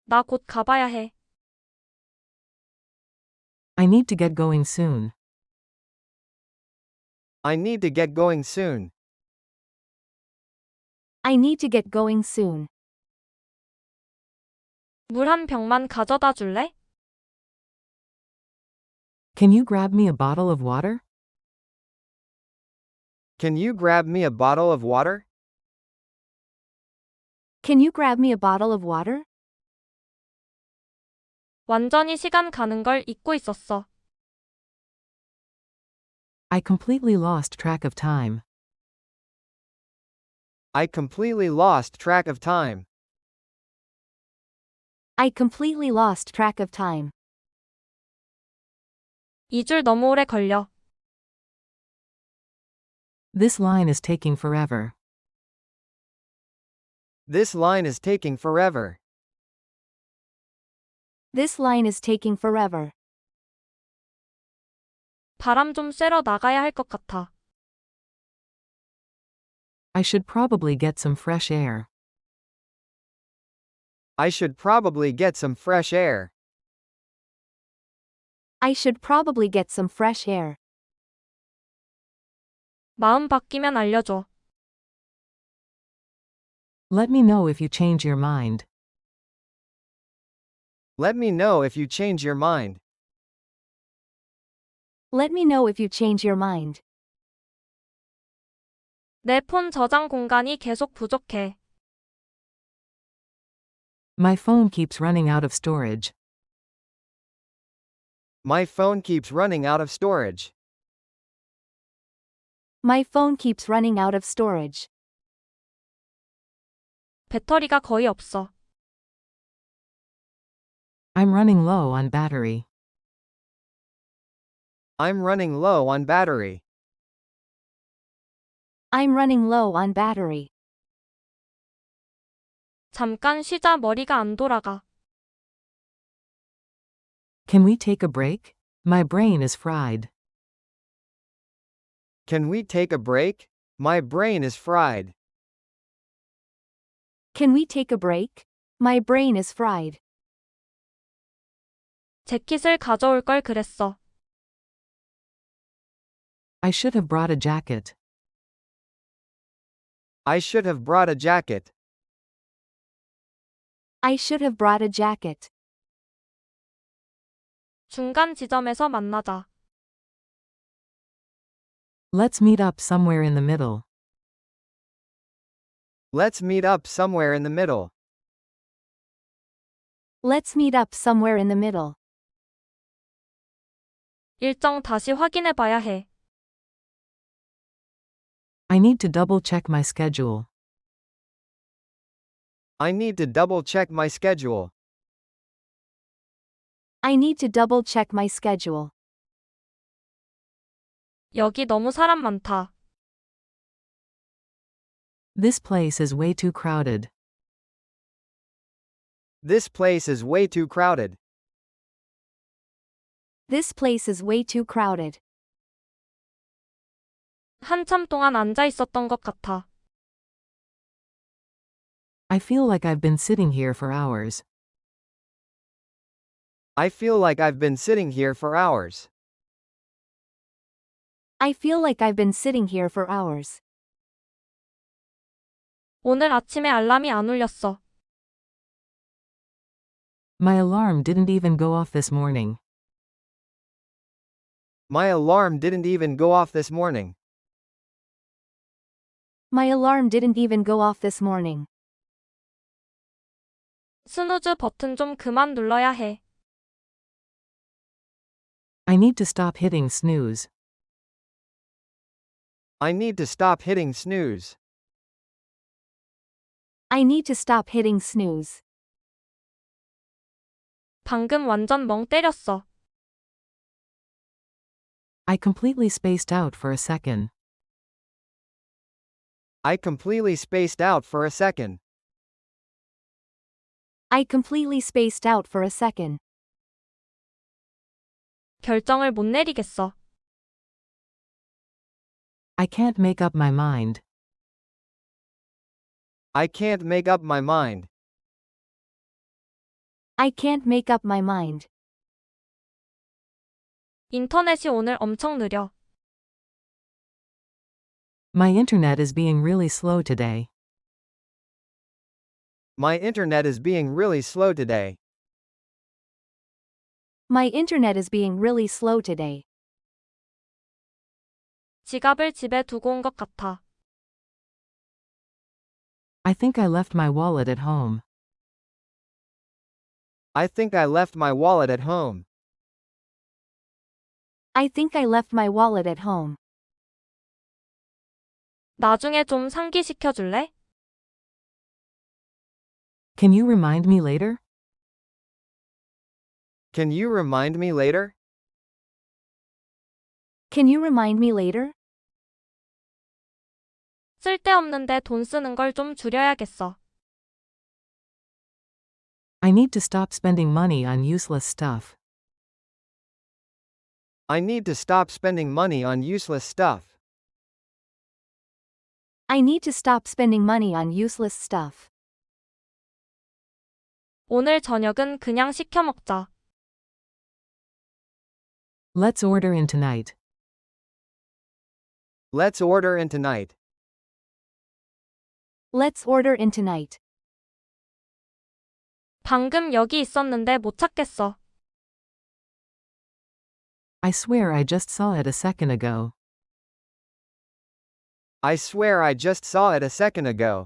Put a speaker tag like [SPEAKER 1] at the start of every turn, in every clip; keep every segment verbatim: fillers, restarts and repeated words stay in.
[SPEAKER 1] 나 곧 가봐야 해.
[SPEAKER 2] I need to get going soon.
[SPEAKER 3] I need to get going soon.
[SPEAKER 4] I need to get going soon.
[SPEAKER 1] 물 한 병만 가져다 줄래?
[SPEAKER 2] Can you grab me a bottle of water?
[SPEAKER 3] Can you grab me a bottle of water?
[SPEAKER 4] Can you grab me a bottle of water?
[SPEAKER 1] 완전히 시간 가는 걸 잊고 있었어.
[SPEAKER 2] I completely lost track of time.
[SPEAKER 3] I completely lost track of time.
[SPEAKER 4] I completely lost track of time.
[SPEAKER 1] 이 줄 너무 오래 걸려.
[SPEAKER 2] This line is taking forever.
[SPEAKER 3] This line is taking forever.
[SPEAKER 4] This line is taking forever.
[SPEAKER 1] 바람 좀 쐬러 나가야 할 것 같아.
[SPEAKER 2] I should probably get some fresh air.
[SPEAKER 3] I should probably get some fresh air.
[SPEAKER 4] I should probably get some fresh air.
[SPEAKER 1] 마음 바뀌면 알려줘.
[SPEAKER 2] Let me know if you change your mind.
[SPEAKER 3] Let me know if you change your mind.
[SPEAKER 4] Let me know if you change your mind.
[SPEAKER 1] 내 폰 저장 공간이 계속 부족해.
[SPEAKER 2] My phone keeps running out of storage.
[SPEAKER 3] My phone keeps running out of storage.
[SPEAKER 4] My phone keeps running out of storage.
[SPEAKER 1] 배터리가 거의 없어.
[SPEAKER 2] I'm running low on battery.
[SPEAKER 3] I'm running low on battery.
[SPEAKER 4] I'm running low on battery.
[SPEAKER 1] 잠깐 쉬자 머리가 안 돌아가.
[SPEAKER 2] Can we take a break? My brain is fried.
[SPEAKER 3] Can we take a break? My brain is fried.
[SPEAKER 4] Can we take a break? My brain is fried.
[SPEAKER 1] 재킷을 가져올 걸 그랬어.
[SPEAKER 2] I should have brought a jacket.
[SPEAKER 3] I should have brought a jacket.
[SPEAKER 4] I should have brought a jacket.
[SPEAKER 1] 중간 지점에서 만나자.
[SPEAKER 2] Let's meet up somewhere in the middle.
[SPEAKER 3] Let's meet up somewhere in the middle.
[SPEAKER 4] Let's meet up somewhere in the middle.
[SPEAKER 1] 일정 다시 확인해 봐야 해.
[SPEAKER 2] I need to double check my schedule.
[SPEAKER 3] I need to double check my schedule.
[SPEAKER 4] I need to double check my schedule.
[SPEAKER 1] 여기 너무 사람 많다.
[SPEAKER 2] This place is way too crowded.
[SPEAKER 3] This place is way too crowded.
[SPEAKER 4] This place is way too crowded.
[SPEAKER 1] 한참 동안 앉아 있었던 것 같아.
[SPEAKER 2] I feel like I've been sitting here for hours.
[SPEAKER 3] I feel like I've been sitting here for hours.
[SPEAKER 4] I feel like I've been sitting here for hours.
[SPEAKER 1] 오늘 아침에 알람이 안 울렸어.
[SPEAKER 2] My alarm didn't even go off this morning.
[SPEAKER 3] My alarm didn't even go off this morning.
[SPEAKER 4] My alarm didn't even go off this morning.
[SPEAKER 1] 스누즈 버튼 좀 그만 눌러야 해.
[SPEAKER 2] I need to stop hitting snooze.
[SPEAKER 3] I need to stop hitting snooze.
[SPEAKER 4] I need to stop hitting snooze.
[SPEAKER 1] 방금 완전 멍 때렸어.
[SPEAKER 2] I completely spaced out for a second.
[SPEAKER 3] I completely spaced out for a second.
[SPEAKER 4] I completely spaced out for a second.
[SPEAKER 1] 결정을 못 내리겠어.
[SPEAKER 2] I can't make up my mind.
[SPEAKER 3] I can't make up my mind.
[SPEAKER 4] I can't make up my mind.
[SPEAKER 1] 인터넷이 오늘 엄청 느려.
[SPEAKER 2] My internet is being really slow today.
[SPEAKER 3] My internet is being really slow today.
[SPEAKER 4] My internet is being really slow today.
[SPEAKER 1] 지갑을 집에 두고 온 것 같아.
[SPEAKER 2] I think I left my wallet at home.
[SPEAKER 3] I think I left my wallet at home.
[SPEAKER 4] I think I left my wallet at home.
[SPEAKER 1] 나중에 좀 상기시켜 줄래?
[SPEAKER 2] Can you remind me later?
[SPEAKER 3] Can you remind me later?
[SPEAKER 4] Can you remind me later?
[SPEAKER 1] 쓸데없는데 돈 쓰는 걸 좀 줄여야겠어.
[SPEAKER 2] I need to stop spending money on useless stuff.
[SPEAKER 3] I need to stop spending money on useless stuff.
[SPEAKER 4] I need to stop spending money on useless stuff.
[SPEAKER 1] 오늘 저녁은 그냥 시켜 먹자.
[SPEAKER 2] Let's order in tonight.
[SPEAKER 3] Let's order in tonight.
[SPEAKER 4] Let's order in tonight.
[SPEAKER 1] 방금 여기 있었는데 못 찾겠어.
[SPEAKER 2] I swear I just saw it a second ago.
[SPEAKER 3] I swear I just saw it a second ago.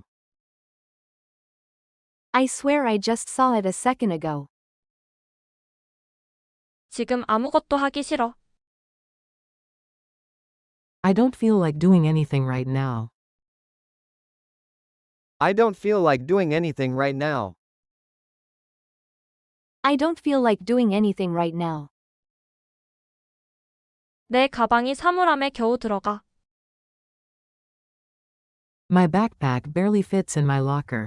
[SPEAKER 4] I swear I just saw it a second ago.
[SPEAKER 1] 지금 아무것도 하기 싫어.
[SPEAKER 2] I don't feel like doing anything right now.
[SPEAKER 3] I don't feel like doing anything right now.
[SPEAKER 4] I don't feel like doing anything right now.
[SPEAKER 1] 내 가방이 사물함에 겨우 들어가.
[SPEAKER 2] My backpack barely fits in my locker.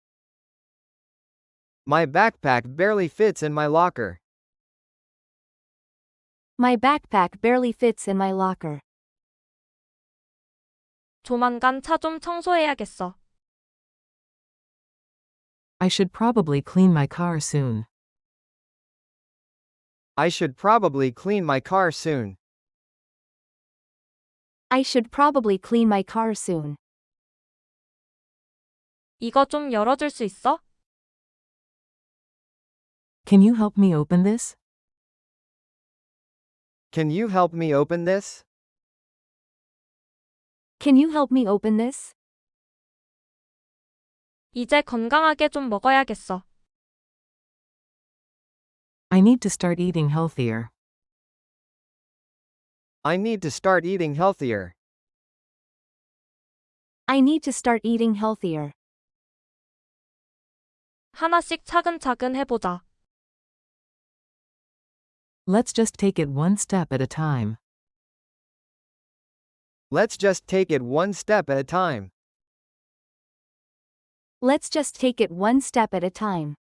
[SPEAKER 3] My backpack barely fits in my locker.
[SPEAKER 4] My backpack barely fits in my locker.
[SPEAKER 1] 조만간 차 좀 청소해야겠어.
[SPEAKER 2] I should probably clean my car soon.
[SPEAKER 3] I should probably clean my car soon.
[SPEAKER 4] I should probably clean my car soon.
[SPEAKER 1] 이거 좀 열어줄 수 있어?
[SPEAKER 2] Can you help me open this?
[SPEAKER 3] Can you help me open this?
[SPEAKER 4] Can you help me open this?
[SPEAKER 1] 이제 건강하게 좀 먹어야겠어.
[SPEAKER 2] I need to start eating healthier.
[SPEAKER 3] I need to start eating healthier.
[SPEAKER 4] I need to start eating healthier.
[SPEAKER 1] 하나씩 차근차근 해보자.
[SPEAKER 2] Let's just take it one step at a time.
[SPEAKER 3] Let's just take it one step at a time.
[SPEAKER 4] Let's just take it one step at a time.